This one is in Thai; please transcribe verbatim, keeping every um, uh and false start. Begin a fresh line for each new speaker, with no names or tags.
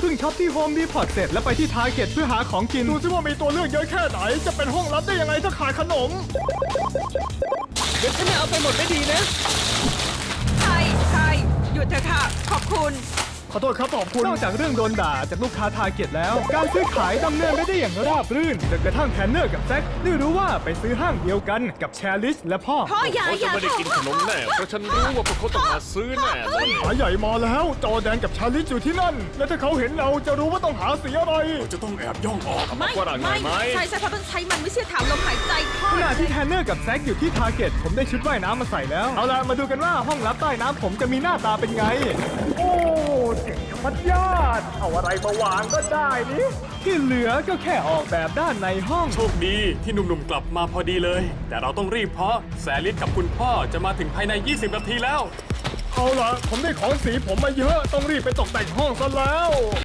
พิ่งช็อปที่โฮมดีพอร์ตเสร็จแล้วไปที่ทาร์เก็ตเพื่อหาของกินดูซิว่ามีตัวเลือกเยอะแค่ไหนจะเป็นห้องลับได้ยังไงถ้าขายขนม
เดี๋ยวฉันจะเอาไปหมดไม่ดีนะ
ใช่ใช่หยุดเถอะค่ะ ขอบคุณ
ขอโทษครับขอบคุณนอกจากเรื่องโดนด่าจากลูกค้าทาร์เก็ตแล้ว การซื้อขายดำเนินไม่ได้อย่างราบรื่นจนกระทั่งแพนเนอร์กับแซคได้รู้ว่าไปซื้อห้างเดียวกันกับแชร์ลิสและพ่อ
พ่ออย่า
เขา
อ
จะ
ย่า
ไม่ได้กินขนมแน่เพราะฉันรู้ว่าพวกเขาต้องมาซื้อแน่เลย
หาใหญ่มาแล้วจอแดนกับชาลิสอยู่ที่นั่น และถ้าเขาเห็นเราจะรู้ว่าต้องหาสีอะไร
จะต้องแอบย่องออก
ไม่
ฝรั่งหน่
ไม่
อยไหม
ใช่ใช่เพราะต้องใช้มันไม่เชื่อถามลมหายใจพ่อ
ขณะที่แพนเนอร์กับแซคอยู่ที่ทาร์เก็ตผมได้ชุดว่ายน้ำมาใส่แล้ว เอาล่ะมาดูกันว่าห้องลับใต้น้ำผมจะมีหน้าตาเป็นไง โอ้เจ๋งมัดยอดเอาอะไรมาวางก็ได้นี่ที่เหลือก็แค่ออกแบบด้านในห้อง
โชคดีที่หนุ่มๆกลับมาพอดีเลย แต่เราต้องรีบเพราะแซลิสกับคุณพ่อจะมาถึงภายใน ยี่สิบ นาทีแล้ว
เอาล่ะผมได้ของสีผมมาเยอะต้องรีบไปตกแต่งห้องซะแล้ว